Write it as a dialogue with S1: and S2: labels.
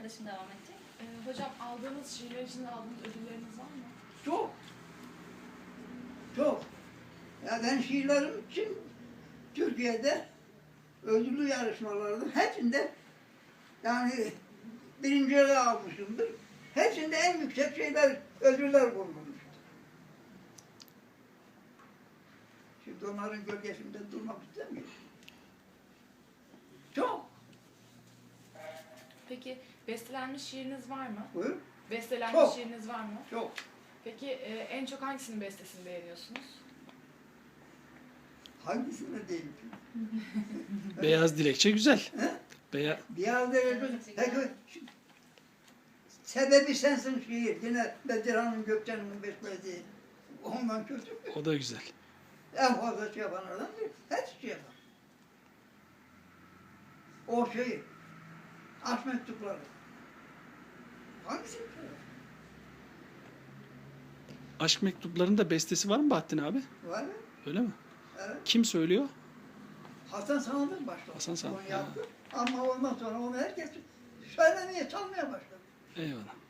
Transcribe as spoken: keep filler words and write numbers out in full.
S1: arkadaşım devam edecek.
S2: Ee, hocam aldığınız şiirler için aldığınız ödülleriniz var mı?
S3: Çok. Çok. Ya ben şiirlerim için Türkiye'de ödüllü yarışmalarda hepsinde yani birinciliği almışımdır. Hepsinde en yüksek şeyler, ödüller bulunmuştur. Şimdi onların gölgesinde durmak istemiyorum. Çok.
S2: Peki bestelenmiş şiiriniz var mı?
S3: Buyur.
S2: Bestelenmiş
S3: Çok.
S2: şiiriniz var mı?
S3: Çok.
S2: Peki e, en çok hangisinin bestesini beğeniyorsunuz?
S3: Hangisine değil ki?
S4: Beyaz Dilekçe güzel.
S3: He?
S4: Beya
S3: Bir halde peki sebebi sensin şiir. Yine Bedirhan'ın Gökçen'in beslediği. Ondan kötü.
S4: o da güzel.
S3: En fazla şey yapan adam değil. Her şey yapan. O şey, aşk mektupları. Hangisi? şey?
S4: Aşk mektuplarında bestesi var mı Bahattin abi?
S3: Var mı?
S4: Öyle mi?
S3: Evet.
S4: Kim söylüyor?
S3: Hasan Sanat'ın başladı.
S4: Hasan Sanat,
S3: Onu yaptı. Ama ondan sonra onu herkes söylemeye, çalmaya başladı.
S4: Eyvallah.